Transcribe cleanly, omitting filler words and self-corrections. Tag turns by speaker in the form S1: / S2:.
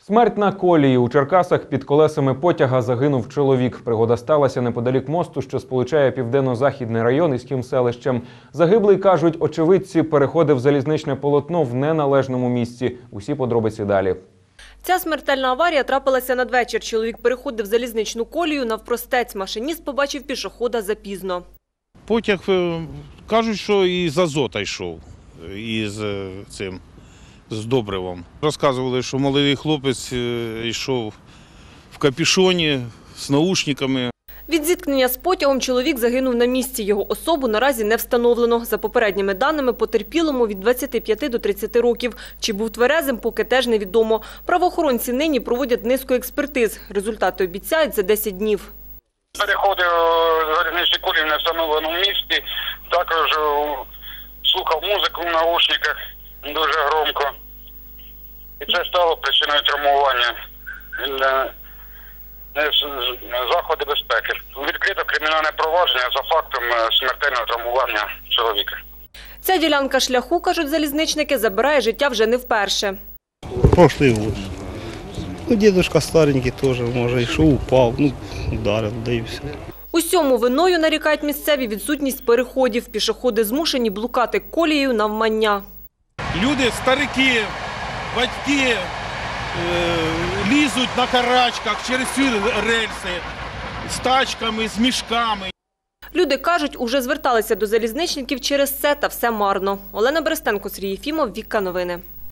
S1: Смерть на колії. У Черкасах під колесами потяга загинув чоловік. Пригода сталася неподалік мосту, що сполучає південно-західний район із Кімселищем. Загиблий, кажуть очевидці, переходив залізничне полотно в неналежному місці. Усі подробиці далі.
S2: Ця смертельна аварія трапилася надвечір. Чоловік переходив залізничну колію навпростець. Машиніст побачив пішохода запізно.
S3: Потяг, кажуть, що із азота йшов, з добривом. Розказували, що молодий хлопець йшов в капюшоні з наушниками.
S2: Від зіткнення з потягом чоловік загинув на місці. Його особу наразі не встановлено. За попередніми даними, потерпілому від 25 до 30 років. Чи був тверезим, поки теж невідомо. Правоохоронці нині проводять низку експертиз. Результати обіцяють за 10 днів.
S4: Переходив залізничні колії в невстановленому місці, також слухав музику в наушниках дуже громко. І це стало причиною травмування. Заходи безпеки. Відкрито кримінальне провадження за фактом смертельного травмування чоловіка.
S2: Ця ділянка шляху, кажуть залізничники, забирає життя вже не вперше.
S5: Прошлый год. Дедушка старенький тоже, може, йшов, упав, ударив, да і все.
S2: Усьому виною, нарікають місцеві, відсутність переходів. Пішоходи змушені блукати колією навмання.
S3: Люди, старики, батьки лізуть на карачках через ці рельси з тачками, з мішками.
S2: Люди кажуть, уже зверталися до залізничників через це, та все марно. Олена Берестенко, Сергій Єфімов, Вікка Новини.